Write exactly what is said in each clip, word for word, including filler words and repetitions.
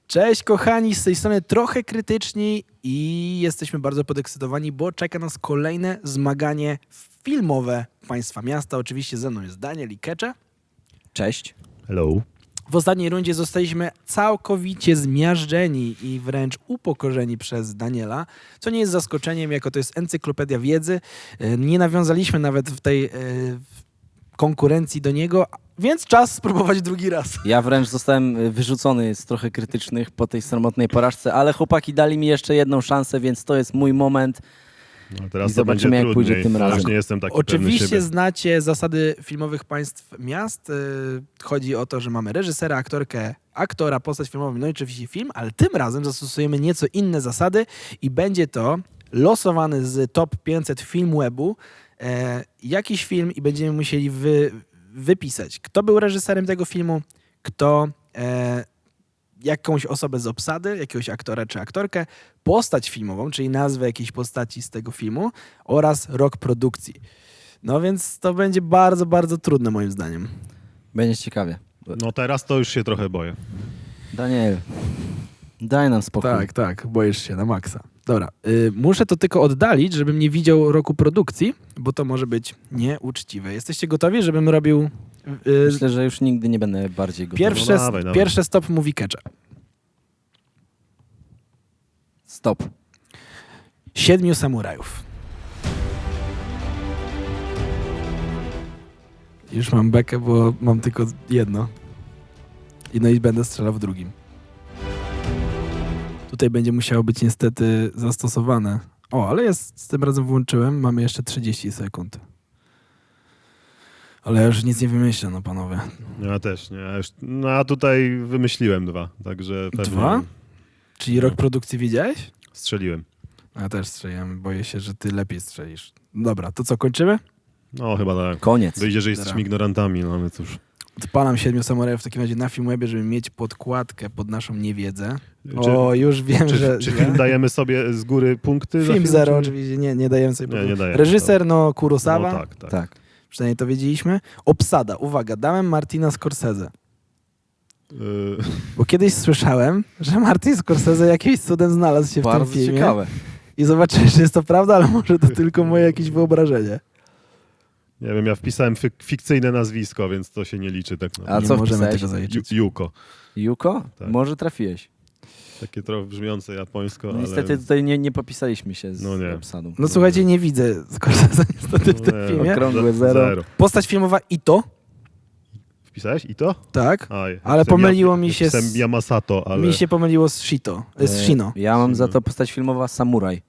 Cześć kochani, z tej strony trochę krytyczni i jesteśmy bardzo podekscytowani, bo czeka nas kolejne zmaganie filmowe Państwa Miasta. Oczywiście ze mną jest Daniel i Kecze. Cześć. Hello. W ostatniej rundzie zostaliśmy całkowicie zmiażdżeni i wręcz upokorzeni przez Daniela, co nie jest zaskoczeniem, jako to jest encyklopedia wiedzy. Nie nawiązaliśmy nawet w tej e, konkurencji do niego, więc czas spróbować drugi raz. Ja wręcz zostałem wyrzucony z trochę krytycznych po tej sromotnej porażce, ale chłopaki dali mi jeszcze jedną szansę, więc to jest mój moment. No teraz I to zobaczymy, będzie jak pójdzie trudniej. tym razem. Już nie jestem taki pewny Oczywiście siebie. znacie zasady filmowych państw miast. Yy, Chodzi o to, że mamy reżysera, aktorkę, aktora, postać filmową, no i oczywiście film, ale tym razem zastosujemy nieco inne zasady i będzie to losowany z top pięćset Filmwebu e, jakiś film i będziemy musieli wy, wypisać, kto był reżyserem tego filmu, kto e, jakąś osobę z obsady, jakiegoś aktora czy aktorkę, postać filmową, czyli nazwę jakiejś postaci z tego filmu oraz rok produkcji. No więc to będzie bardzo, bardzo trudne moim zdaniem. Będzie ciekawie. No teraz to już się trochę boję. Daniel, daj nam spokój. Tak, tak, boisz się na maksa. Dobra, y, muszę to tylko oddalić, żebym nie widział roku produkcji, bo to może być nieuczciwe. Jesteście gotowi, żebym robił... y, Myślę, że już nigdy nie będę bardziej gotowy. Pierwsze, No dawaj, dawaj. pierwsze stop mówi Kecze. Stop. Siedmiu samurajów. Już mam bekę, bo mam tylko jedno. I no i będę strzelał w drugim. Tutaj będzie musiało być niestety zastosowane. O, ale jest, z tym razem włączyłem. Mamy jeszcze trzydzieści sekund. Ale ja już nic nie wymyślę, no panowie. Ja też nie. Ja już, no a tutaj wymyśliłem dwa, także pewnie Dwa? Czyli rok produkcji widziałeś? strzeliłem. Ja też strzeliłem. Boję się, że ty lepiej strzelisz. Dobra, to co, kończymy? No chyba tak. Koniec. Wyjdzie, że jesteśmy Dobra. ignorantami, no ale cóż. Odpalam Siedmiu Samurajów w takim razie na Filmwebie, żeby mieć podkładkę pod naszą niewiedzę. Czy, O, już wiem, czy, że... czy że- film dajemy sobie z góry punkty? za Film zero czy- oczywiście, nie, nie dajemy sobie Nie, punktu. nie dajemy, Reżyser, no Kurosawa, No tak, tak. Tak. przynajmniej to wiedzieliśmy. Obsada, uwaga, dałem Martina Scorsese. Y, Bo kiedyś słyszałem, że Martin Scorsese jakimś cudem znalazł się w Bardzo tym filmie. ciekawe. I zobaczysz, czy jest to prawda, ale może to tylko moje jakieś wyobrażenie. nie wiem, ja wpisałem fik- fikcyjne nazwisko, więc to się nie liczy tak A naprawdę. nie co możemy wpisałeś? tego zaliczyć. Ju- Juko. Juko? Tak. Może trafiłeś. Takie trochę brzmiące japońsko, No, ale... niestety tutaj nie, nie popisaliśmy się z No nie. obsadą. No słuchajcie, nie widzę Scorsese niestety w No tym nie, filmie. okrągłe Ze- zero. Postać filmowa Ito, Wpisałeś i to? tak, Aj, Ale wpisałem pomyliło Ja- mi się z- wpisałem Yamasato, ale... mi się pomyliło z Shito, e, z E, Shino. Ja mam za Shino. to postać filmowa Samuraj.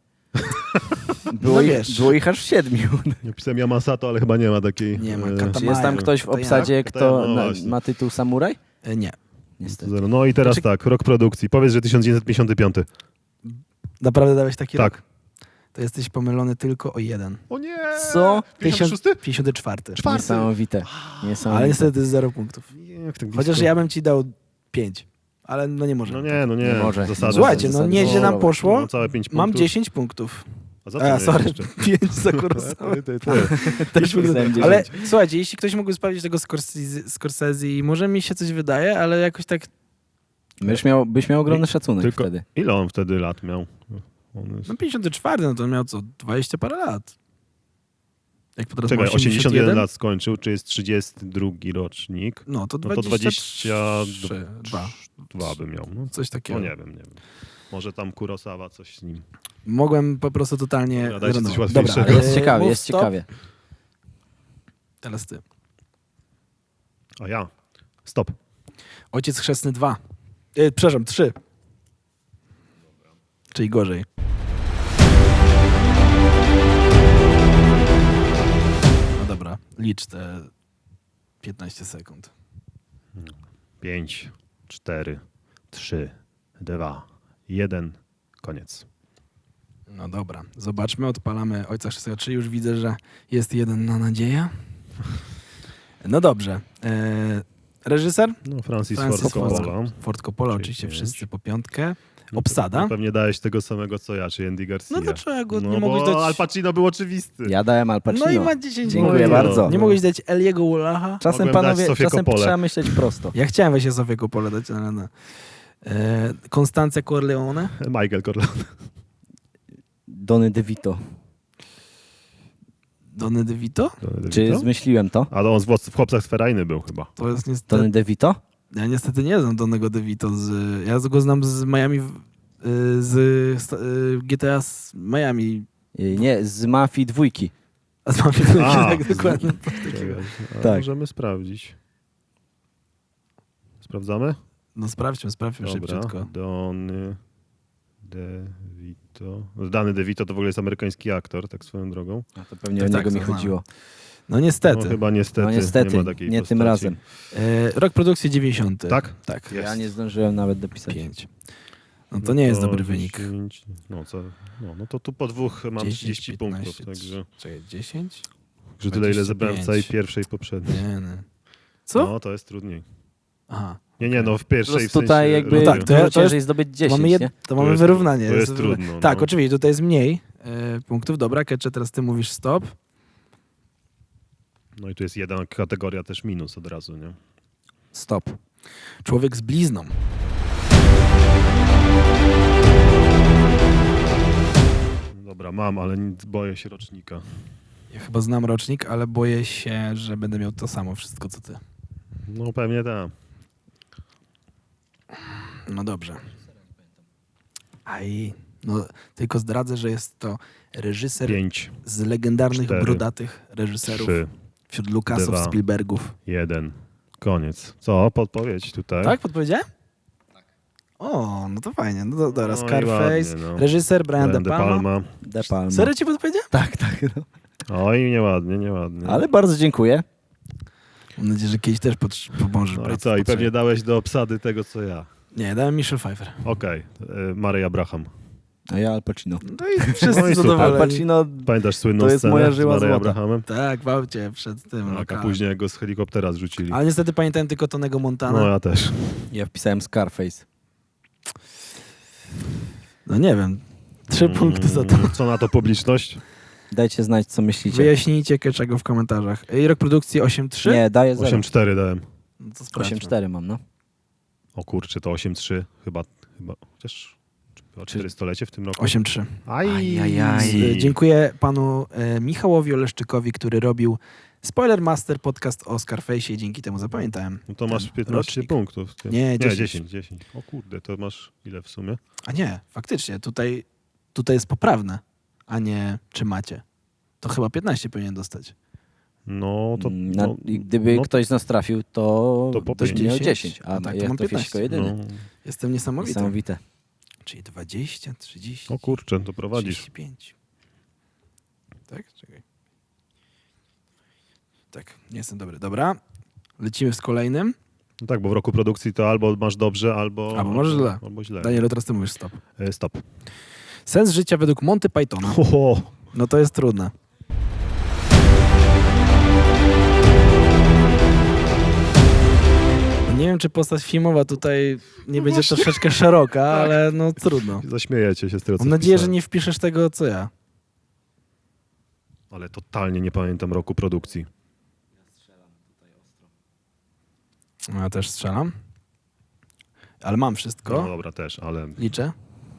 Było, No ich, wiesz. było ich aż siedmiu. Ja pisałem Yamasato, ale chyba nie ma takiej... Nie ma, e, Katamaja. Czy jest tam ktoś w To ja. obsadzie, To ja, kto no na, właśnie. ma tytuł Samuraj? E, Nie. Niestety. zero. No i teraz Znaczy- tak, rok produkcji. Powiedz, że tysiąc dziewięćset pięćdziesiąty piąty. Naprawdę dałeś taki Tak. rok? To jesteś pomylony tylko o jeden. O nie! Co? pięćdziesiąty szósty? pięćdziesiąty czwarty. Czwarty. Niesamowite. Niesamowite. Ale niestety jest zero punktów. Jak tak Chociaż blisko? ja bym ci dał pięć. Ale no nie może. No nie, no nie. Nie może. Zasady. Słuchajcie, no Zasady nieźle nam kolorowe. poszło. No, całe pięć punktów. Mam dziesięć punktów. A za co A, mnie sorry, jeszcze? pięć za Kurosawę. Ty, ty, ty. Też mi- Pisałem Ale dziesięć. słuchajcie, jeśli ktoś mógłby sprawdzić tego Scorsese, Scorsese, może mi się coś wydaje, ale jakoś tak... Byś miał, byś miał ogromny szacunek Tylko- wtedy. Ile on wtedy lat miał? On jest... No pięćdziesiąty czwarty, no to miał co, dwadzieścia parę lat. Jak po teraz Czekaj, ma osiemdziesiąt jeden lat skończył, czy jest trzydziesty drugi rocznik? No to No to dwadzieścia trzy, dwa. Dwa by miał. No, Coś takiego. no nie wiem, nie wiem. Może tam Kurosawa coś z nim. Mogłem po prostu totalnie... Dobra, dajcie coś zrenować. łatwiejszego. Dobra, Jest e, ciekawie, mów jest stop. ciekawie. Teraz ty. A ja. Stop. Ojciec Chrzestny dwa. E, przepraszam, trzy. Czyli gorzej. No dobra, licz te piętnaście sekund. Pięć, cztery, trzy, dwa, jeden. Koniec. No dobra, zobaczmy, odpalamy Ojca Chrzestnego trzy. Już widzę, że jest jeden na nadzieję. No dobrze. E, reżyser? No, Francis, Francis Ford Ford Coppola. Ford Coppola, Czyli oczywiście pięć. wszyscy po piątkę. No, Obsada? pe- Pewnie dałeś tego samego co ja, czy Andy Garcia. No dlaczego? No Nie mogłeś bo dać... Al Pacino był oczywisty. Ja dałem Al Pacino. No i ma dziesięć Dziękuję punktów. bardzo. Nie mogłeś dać Eliego Wallacha? Czasem, Mogłem dać panowie, Sofię czasem Coppolę. trzeba myśleć prosto. Ja chciałem właśnie Sofię Coppolę dać, ale no. E, Konstancja Corleone? Michael Corleone. Donny DeVito. Donny DeVito? Czy zmyśliłem to? Ale on w, w Chłopcach z Ferajny był chyba. To jest niestety... Donny DeVito? Ja niestety nie znam Donnego DeVito. Z, ja go znam z Miami, y, z y, G T A z Miami. Y, Nie, z Mafii dwójki. A z Miami A, tak z- dokładnie. Czekaj, a Tak. Możemy sprawdzić. Sprawdzamy? No sprawdźmy, sprawdźmy Dobra. szybciutko. Donny DeVito. Dany DeVito to w ogóle jest amerykański aktor, tak swoją drogą. A to pewnie Tak, o tak, niego mi to znamy. chodziło. No niestety. No chyba niestety, No niestety, nie ma takiej nie postaci. tym razem. E, rok produkcji dziewięćdziesiąty. Tak? Tak. Jest. Ja nie zdążyłem nawet dopisać. Pięć. No to nie jest to dobry wynik. dziesięć, no, co, no, no to tu po dwóch mam dziesięć, trzydzieści punktów, piętnaście, także Czekaj, dziesięć? że tyle ile zebrałem w całej dwadzieścia pięć. pierwszej i poprzedniej. Nie, nie. Co? No to jest trudniej. Aha. Nie, nie, no w Po pierwszej w prostu sensie... tutaj jakby No tak, to ja- dużo to jest- ciężej zdobyć To dziesięć, mamy, jed... nie? to mamy jest- wyrównanie. to jest wyrównanie. trudno, Tak, no. oczywiście, tutaj jest mniej e, punktów. Dobra, Kecze, teraz ty mówisz stop. No i tu jest jedna kategoria też minus od razu, nie? Stop. Człowiek z blizną. Dobra, mam, ale nic- boję się rocznika. Ja chyba znam rocznik, ale boję się, że będę miał to samo wszystko, co ty. No pewnie tak. No dobrze. Aj, no tylko zdradzę, że jest to reżyser Pięć, z legendarnych, cztery, brodatych reżyserów trzy, wśród Lucasów, dwa. Spielbergów. jeden. Koniec. Co? Podpowiedź tutaj? Tak, podpowiedziałem? O, no to fajnie. No to, dobra, No i Scarface, ładnie, no. reżyser Brian, Brian De De Palma. Palma. De Palma. Serio ci podpowiedziałem? Tak, tak. No. Oj, nieładnie, nieładnie. Ale bardzo dziękuję. Mam nadzieję, że kiedyś też pot- pomożesz. No i brat, co? I potrzebie. pewnie dałeś do obsady tego, co ja. Nie, dałem Michelle Pfeiffer. Okej. Okay. Mary Abraham. A ja Al Pacino. No i wszyscy No i super. Al zadowoleni. Pacino, Pamiętasz słynną To jest scenę moja z żyła Mary złota. Abrahamem? Tak, w aucie przed tym Tak, a lokalem. później jak go z helikoptera zrzucili. Ale niestety pamiętałem tylko Tonego Montana. No ja też. ja wpisałem Scarface. No nie wiem. Trzy Mm, punkty za to. Co na to publiczność? Dajcie znać, co myślicie. Wyjaśnijcie czego w komentarzach. I rok produkcji osiem trzy? Nie, daję zero. osiem cztery dałem. No to sprawdźmy. osiem cztery mam, no. O kurczę, to osiem trzy chyba, chyba, chociaż chyba czterystolecie w tym roku. osiem trzy. Aj, Ajajaj. Z- Dziękuję panu e, Michałowi Oleszczykowi, który robił Spoiler Master podcast o Scarface'ie i dzięki temu zapamiętałem. No to masz ten piętnaście rocznik. punktów. Ty. Nie, nie dziesięć. dziesięć, dziesięć. O kurde, to masz ile w sumie? A nie, faktycznie, tutaj, tutaj jest poprawne, a nie czy macie. To chyba piętnaście powinien dostać. No to... Na, no, i gdyby no, ktoś nas trafił, to, To po to pięć. miał dziesięć. dziesięć, a A tak to ja mam to piętnaście. Fiśko jedyny. no, Jestem niesamowity. Niesamowite. Czyli dwadzieścia, trzydzieści, o kurczę, to prowadzisz. trzydzieści pięć. Tak? Czekaj. Tak, nie jestem dobry. Dobra, lecimy z kolejnym. No tak, bo w roku produkcji to albo masz dobrze, albo... Albo masz źle. Albo źle. Danielu, teraz ty mówisz stop. E, Stop. Sens życia według Monty Pythona. Ho, No to jest trudne. No nie wiem, czy postać filmowa tutaj nie będzie troszeczkę szeroka, ale no trudno. zaśmiejecie się z tego, co Mam nadzieję, że wpisałem. nie wpiszesz tego, co ja. Ale totalnie nie pamiętam roku produkcji. Ja też strzelam. Ale mam wszystko. No dobra, też, ale... Liczę.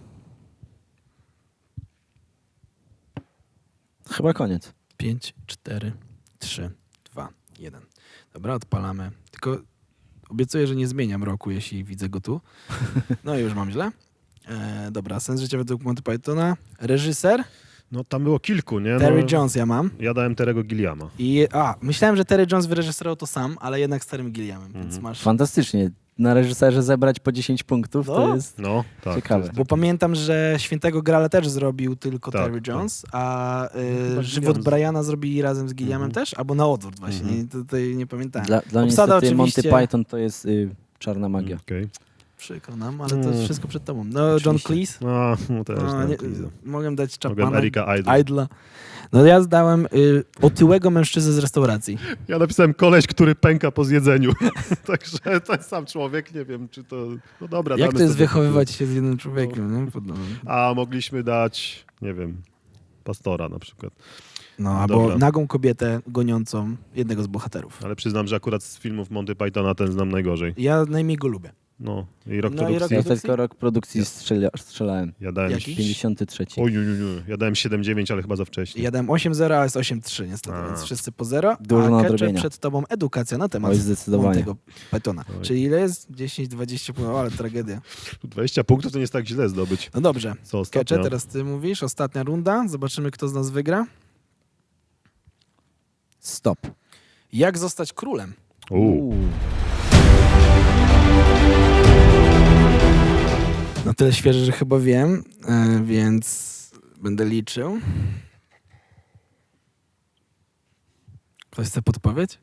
Chyba koniec. pięć, cztery, trzy, dwa, jeden. Dobra, odpalamy. Tylko obiecuję, że nie zmieniam roku, jeśli widzę go tu. No i już mam źle. E, dobra, Sens życia według Monty Pythona. Reżyser No tam było kilku, nie? Terry no, Jones ja mam. Ja dałem Terego Gilliama. I, a, myślałem, że Terry Jones wyreżyserował to sam, ale jednak z Terrym Gilliamem, więc Mhm. masz... Fantastycznie. Na reżyserze zebrać po dziesięć punktów No. to jest... No, tak. Ciekawe. to jest Bo taki- pamiętam, że Świętego Grala też zrobił tylko Tak, Terry tak. Jones, a Chyba y, Żywot Gilliam z- Briana zrobili razem z Gilliamem Mhm. też? Albo na odwrót właśnie, Mhm. nie, tutaj nie pamiętałem. Dla, dla mnie Obsada niestety Monty oczywiście- Python to jest y, czarna magia. Okej. Przykro nam, ale to jest Mm. wszystko przed tobą. No, John Oczywiście. Cleese. No, no też No, dałem nie, Cleese'a. mogłem dać Mogłem Chapmana. Erika Idle. Idla. No ja zdałem y, otyłego mężczyznę z restauracji. Ja napisałem koleś, który pęka po zjedzeniu. Także ten sam człowiek, nie wiem, czy to... No dobra, Jak damy to jest sobie- wychowywać się z jednym człowiekiem? Nie? Podobno. A mogliśmy dać, nie wiem, Pastora na przykład. No, No albo dobra. nagą kobietę goniącą jednego z bohaterów. Ale przyznam, że akurat z filmów Monty Pythona ten znam najgorzej. Ja najmniej go lubię. No, i rok No i rok produkcji. Ja produkcji? tylko rok produkcji strzela, strzelałem. Ja dałem Jaki? pięćdziesiąty trzeci. Oj, oj, oj, oj. Ja dałem siedem dziewięć, ale chyba za wcześnie. Ja dałem osiem zero, a jest osiem trzy niestety, A. więc wszyscy po zero. Dużo a Kecze nadrobienia. przed tobą edukacja na temat Oj, zdecydowanie. tego betona. Oj. Czyli ile jest? dziesięć dwadzieścia punktów, ale tragedia. dwadzieścia punktów to nie jest tak źle zdobyć. No dobrze. Co ostatnio? Kecze, teraz ty mówisz, ostatnia runda. Zobaczymy, kto z nas wygra. Stop. Jak zostać królem? U. No tyle świeże, że chyba wiem, e, więc będę liczył. Ktoś chce podpowiedź?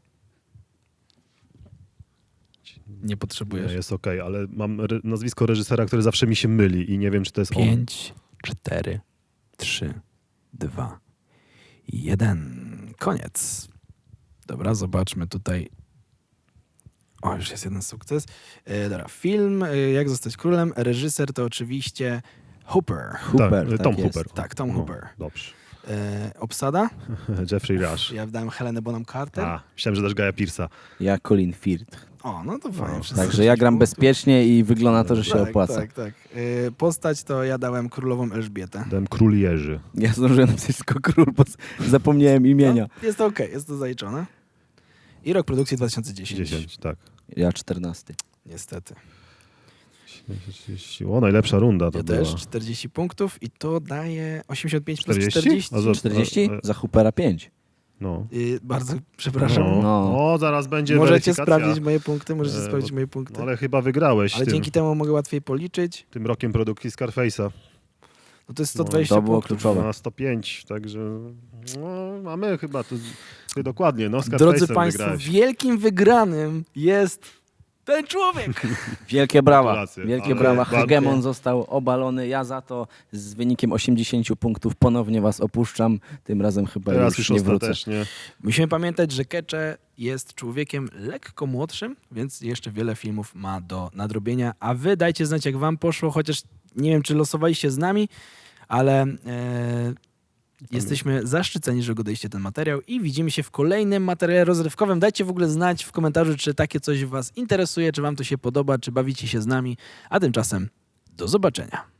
Nie Nie, potrzebujesz. jest okej, ale mam re- nazwisko reżysera, które zawsze mi się myli i nie wiem, czy to jest on. Pięć, cztery, trzy, dwa, jeden. Koniec. Dobra, zobaczmy tutaj. O, już jest jeden sukces. E, dobra, film e, Jak zostać królem. Reżyser to oczywiście Hooper. Hooper, tak, tak Tom jest. Hooper. Tak, Tom No, Hooper. Dobrze. E, obsada? Jeffrey Rush. Ja wydałem Helenę Bonham Carter. A, myślałem, że dasz Gaja Pearce'a. Ja Colin Firth. O, no to fajnie. No, wszyscy Także ja gram punktów. bezpiecznie i wygląda na to, że się tak, opłaca. Tak, tak. E, postać to ja dałem królową Elżbietę. Dałem Król Jerzy. Ja zdążyłem napisać tylko król, bo z- zapomniałem imienia. No, jest to okej, jest to zaliczone. I rok produkcji dwa tysiące dziesiąty. dziesięć, tak. Ja czternasty. Niestety. trzydzieści. O, najlepsza runda to Ja była. też czterdzieści punktów i to daje osiemdziesiąt pięć plus czterdzieści? czterdzieści. A za- czterdzieści? e, e. Za Hoopera pięć. No. Y, bardzo przepraszam. No. No. O, zaraz będzie Możecie weryfikacja. sprawdzić moje punkty, możecie E, sprawdzić bo- moje punkty. No, ale chyba wygrałeś Ale tym, dzięki temu mogę łatwiej policzyć. tym rokiem produkcji Scarface'a. No to jest No, sto dwadzieścia to było punktów. kluczowe. Na sto pięć, także no, mamy chyba to ty dokładnie, no Scarface'em Drodzy Państwo, wygrałeś. wielkim wygranym jest ten człowiek. Wielkie brawa. Gratulacje. Wielkie Ale brawa. bardzo- Hegemon został obalony. Ja za to z wynikiem osiemdziesięciu punktów ponownie was opuszczam. Tym razem chyba Teraz już już nie wrócę. ostatecznie. Musimy pamiętać, że Kecze jest człowiekiem lekko młodszym, więc jeszcze wiele filmów ma do nadrobienia. A wy dajcie znać, jak wam poszło, chociaż nie wiem, czy losowaliście z nami, ale e, jesteśmy zaszczyceni, że oglądaliście ten materiał i widzimy się w kolejnym materiale rozrywkowym. Dajcie w ogóle znać w komentarzu, czy takie coś was interesuje, czy wam to się podoba, czy bawicie się z nami. A tymczasem do zobaczenia.